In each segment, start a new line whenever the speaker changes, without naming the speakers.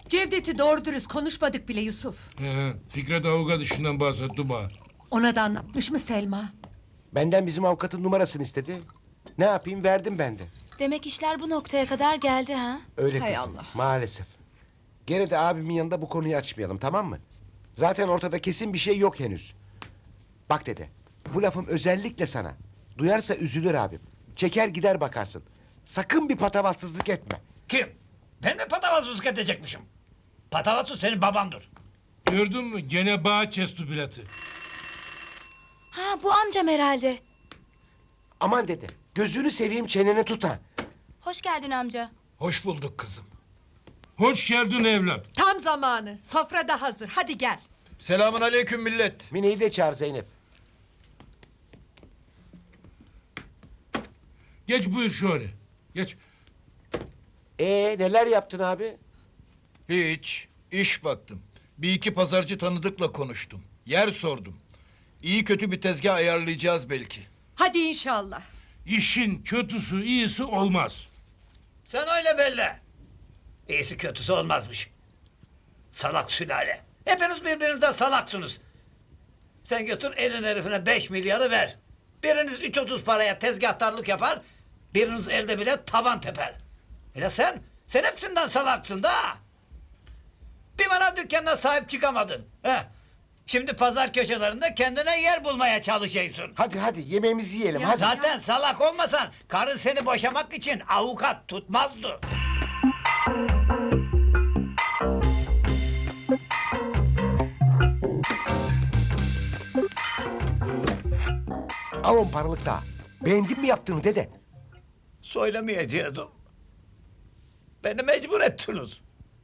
Cevdet'i doğru dürüst konuşmadık bile Yusuf.
Fikret avukat işinden bahsetti bana.
Ona da anlatmış mı Selma?
Benden bizim avukatın numarasını istedi. Ne yapayım, verdim ben de.
Demek işler bu noktaya kadar geldi ha?
Öyle
Hay
kızım,
Allah.
maalesef. Gene de abimin yanında bu konuyu açmayalım, tamam mı? Zaten ortada kesin bir şey yok henüz. Bak dede, bu lafım özellikle sana. Duyarsa üzülür abim. Çeker gider bakarsın. Sakın bir patavatsızlık etme.
Kim? Ben mi patavatsızlık edecekmişim? Patavatsız senin babandır.
Gördün mü? Gene bağ kesti bileti.
Ha bu amcam herhalde.
Aman dede, gözünü seveyim, çeneni tut ha.
Hoş geldin amca.
Hoş bulduk kızım.
Hoş geldin evlat.
Tam zamanı. Sofra da hazır. Hadi gel.
Selamun aleyküm millet.
Mine'yi de çağır Zeynep.
Geç buyur şöyle. Geç.
Neler yaptın abi?
Hiç. İş baktım. Bir iki pazarcı tanıdıkla konuştum. Yer sordum. İyi kötü bir tezgah ayarlayacağız belki.
Hadi inşallah.
İşin kötüsü iyisi olmaz.
Sen öyle belli. İyisi kötüsü olmazmış. Salak sülale. Hepiniz birbirinizden salaksınız. Sen götür elin herifine 5 milyarı ver. Biriniz 3.30 paraya tezgahtarlık yapar. Biriniz elde bile taban teper. Hele sen hepsinden salaksın da. Bir bana dükkanına sahip çıkamadın. Heh. Şimdi pazar köşelerinde kendine yer bulmaya çalışacaksın.
Hadi yemeğimizi yiyelim, hadi.
Zaten salak olmasan karın seni boşamak için avukat tutmazdı.
Al 10 paralık daha. Beğendin mi yaptığını dede?
Söylemeyecektim. Beni mecbur ettiniz.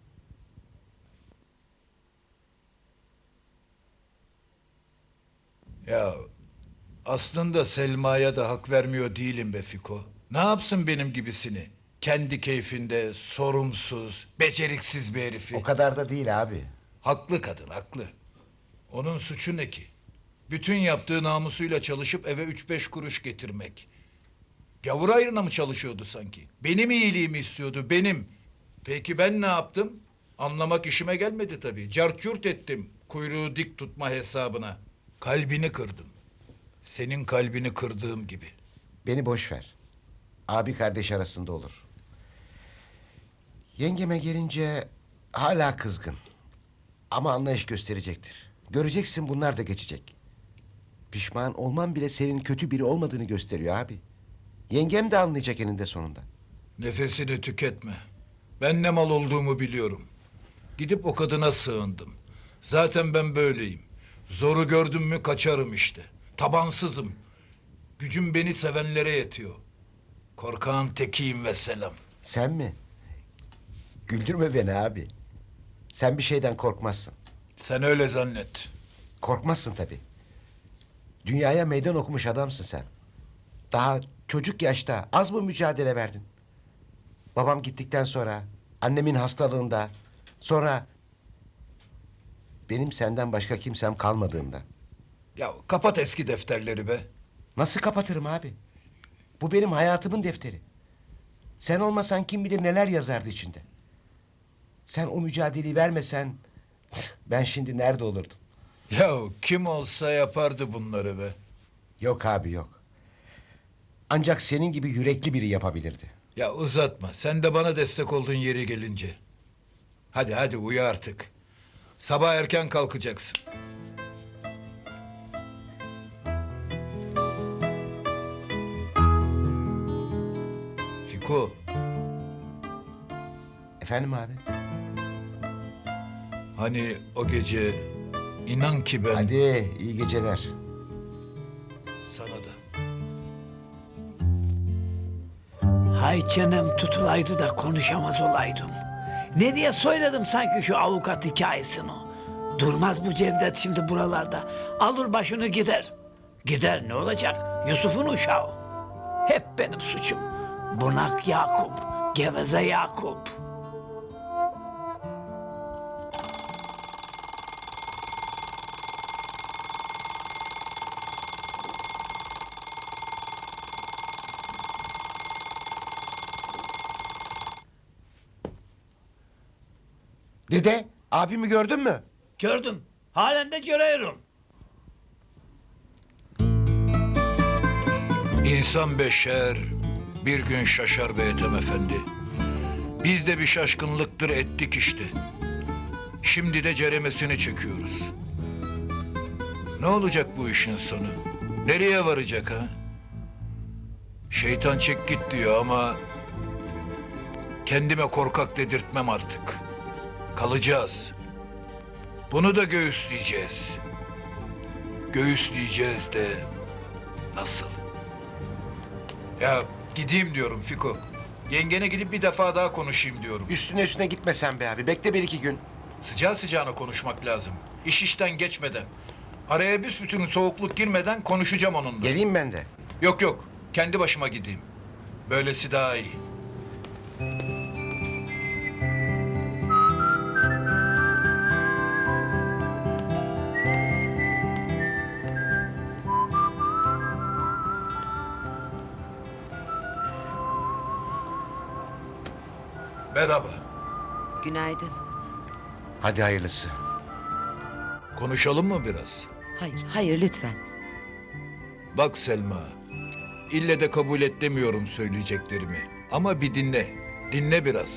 Ya aslında Selma'ya da hak vermiyor değilim be Fiko. Ne yapsın benim gibisini? Kendi keyfinde sorumsuz, beceriksiz bir herifi.
O kadar da değil abi.
Haklı kadın, haklı. Onun suçu ne ki? Bütün yaptığı namusuyla çalışıp eve 3-5 kuruş getirmek. Gavur ayrına mı çalışıyordu sanki? Benim iyiliğimi istiyordu, benim. Peki ben ne yaptım? Anlamak işime gelmedi tabii. Cart curt ettim kuyruğu dik tutma hesabına. Kalbini kırdım. Senin kalbini kırdığım gibi.
Beni boş ver. Abi kardeş arasında olur. Yengeme gelince hala kızgın. Ama anlayış gösterecektir. Göreceksin, bunlar da geçecek. Pişman olman bile senin kötü biri olmadığını gösteriyor abi. Yengem de anlayacak eninde sonunda.
Nefesini tüketme. Ben ne mal olduğumu biliyorum. Gidip o kadına sığındım. Zaten ben böyleyim. Zoru gördüm mü kaçarım işte. Tabansızım. Gücüm beni sevenlere yetiyor. Korkağın tekiyim ve selam.
Sen mi? Güldürme beni abi. Sen bir şeyden korkmazsın.
Sen öyle zannet.
Korkmazsın tabii. Dünyaya meydan okumuş adamsın sen. Daha çocuk yaşta az mı mücadele verdin? Babam gittikten sonra, annemin hastalığında, sonra benim senden başka kimsem kalmadığında.
Ya kapat eski defterleri be.
Nasıl kapatırım abi? Bu benim hayatımın defteri. Sen olmasan kim bilir neler yazardı içinde. Sen o mücadeleyi vermesen ben şimdi nerede olurdum?
Ya kim olsa yapardı bunları be.
Yok abi, yok. Ancak senin gibi yürekli biri yapabilirdi.
Ya uzatma. Sen de bana destek oldun yeri gelince. Hadi uyu artık. Sabah erken kalkacaksın. Fiko,
Efendim abi?
hani o gece inan ki ben
Hadi iyi geceler.
sana da.
Hay çenem tutulaydı da konuşamaz olaydım. Ne diye söyledim sanki şu avukat hikayesini. Durmaz bu Cevdet şimdi buralarda. Alır başını gider. Gider ne olacak? Yusuf'un uşağı. Hep benim suçum. Bunak Yakup, geveze Yakup.
Dede, abimi gördün mü?
Gördüm. Halen de görüyorum.
İnsan beşer, bir gün şaşar be Ethem Efendi. Biz de bir şaşkınlıktır ettik işte. Şimdi de ceremesini çekiyoruz. Ne olacak bu işin sonu? Nereye varacak ha? Şeytan çek git diyor ama... kendime korkak dedirtmem artık. Kalacağız. Bunu da göğüsleyeceğiz. Göğüsleyeceğiz de nasıl? Ya gideyim diyorum Fiko. Yengene gidip bir defa daha konuşayım diyorum.
Üstüne gitme sen be abi. Bekle 1-2 gün.
Sıcağı sıcağına konuşmak lazım. İş işten geçmeden. Araya büsbütün soğukluk girmeden konuşacağım onunla.
Geleyim ben de.
Yok yok. Kendi başıma gideyim. Böylesi daha iyi. Merhaba.
Günaydın.
Hadi hayırlısı.
Konuşalım mı biraz?
Hayır lütfen.
Bak Selma, ille de kabul et demiyorum söyleyeceklerimi. Ama bir dinle, dinle biraz.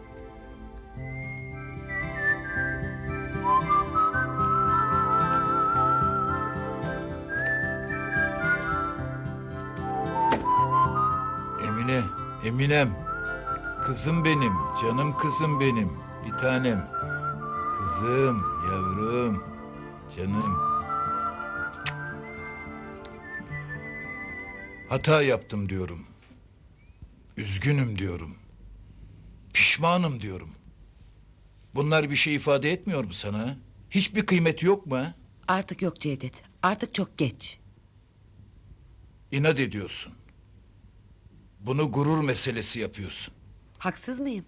Emine, Eminem. Kızım benim, canım kızım benim, bir tanem. Kızım, yavrum, canım. Hata yaptım diyorum. Üzgünüm diyorum. Pişmanım diyorum. Bunlar bir şey ifade etmiyor mu sana? Hiçbir kıymeti yok mu? Ha?
Artık yok Cevdet. Artık çok geç.
İnat ediyorsun. Bunu gurur meselesi yapıyorsun.
Haksız mıyım?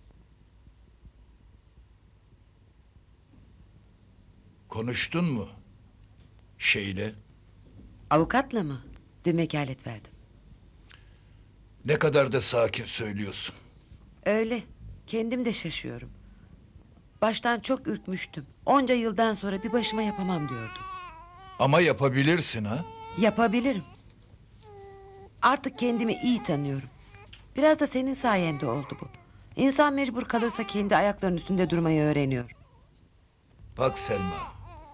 Konuştun mu? Şeyle.
Avukatla mı? Dün vekalet verdim.
Ne kadar da sakin söylüyorsun.
Öyle. Kendim de şaşıyorum. Baştan çok ürkmüştüm. Onca yıldan sonra bir başıma yapamam diyordum.
Ama yapabilirsin ha?
Yapabilirim. Artık kendimi iyi tanıyorum. Biraz da senin sayende oldu bu. İnsan mecbur kalırsa kendi ayaklarının üstünde durmayı öğreniyor.
Bak Selma.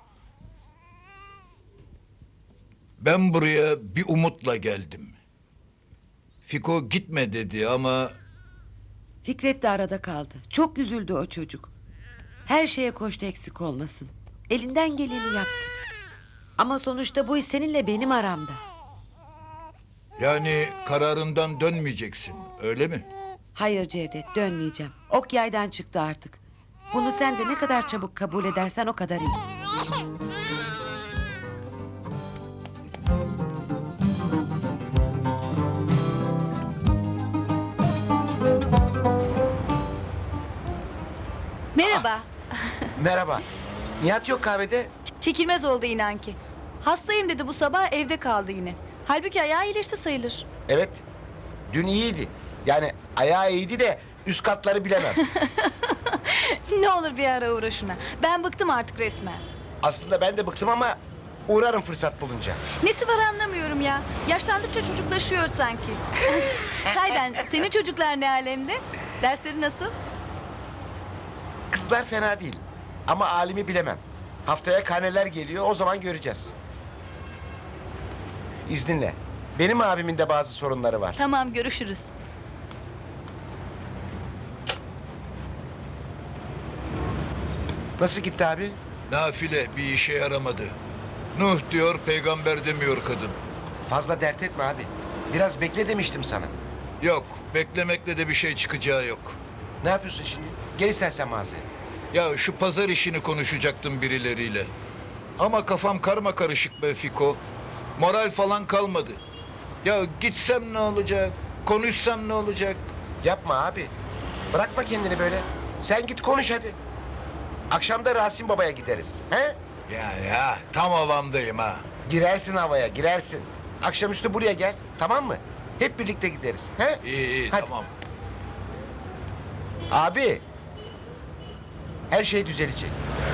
Ben buraya bir umutla geldim. Fiko gitme dedi ama...
Fikret de arada kaldı. Çok üzüldü o çocuk. Her şeye koştu eksik olmasın. Elinden geleni yaptı. Ama sonuçta bu iş seninle benim aramda.
Yani kararından dönmeyeceksin, öyle mi?
Hayır Cevdet, dönmeyeceğim. Ok yaydan çıktı artık. Bunu sen de ne kadar çabuk kabul edersen o kadar iyi.
Merhaba.
Merhaba. Nihat yok kahvede.
Çekilmez oldu inan ki. Hastayım dedi bu sabah evde kaldı yine. Halbuki ayağı iyileşti sayılır.
Evet. Dün iyiydi. Yani ayağı iyiydi de üst katları bilemem.
Ne olur bir ara uğra şuna. Ben bıktım artık resmen.
Aslında ben de bıktım ama uğrarım fırsat bulunca.
Nesi var anlamıyorum ya. Yaşlandıkça çocuklaşıyor sanki. Sayden senin çocuklar ne alemde? Dersleri nasıl?
Kızlar fena değil. Ama alimi bilemem. Haftaya karneler geliyor, o zaman göreceğiz. İzninle. Benim abimin de bazı sorunları var.
Tamam görüşürüz.
Nasıl gitti abi?
Nafile bir işe yaramadı. Nuh diyor, peygamber demiyor kadın.
Fazla dert etme abi. Biraz bekle demiştim sana.
Yok, beklemekle de bir şey çıkacağı yok.
Ne yapıyorsun şimdi? Gel istersen mağazaya.
Ya şu pazar işini konuşacaktım birileriyle. Ama kafam karma karışık be Fiko. Moral falan kalmadı. Ya gitsem ne olacak? Konuşsam ne olacak?
Yapma abi. Bırakma kendini böyle. Sen git konuş hadi. Akşam da Rasim Baba'ya gideriz. He?
Ya tam havamdayım ha.
Girersin havaya, girersin. Akşamüstü buraya gel, tamam mı? Hep birlikte gideriz. He?
İyi
Hadi.
tamam.
Abi. Her şey düzelecek.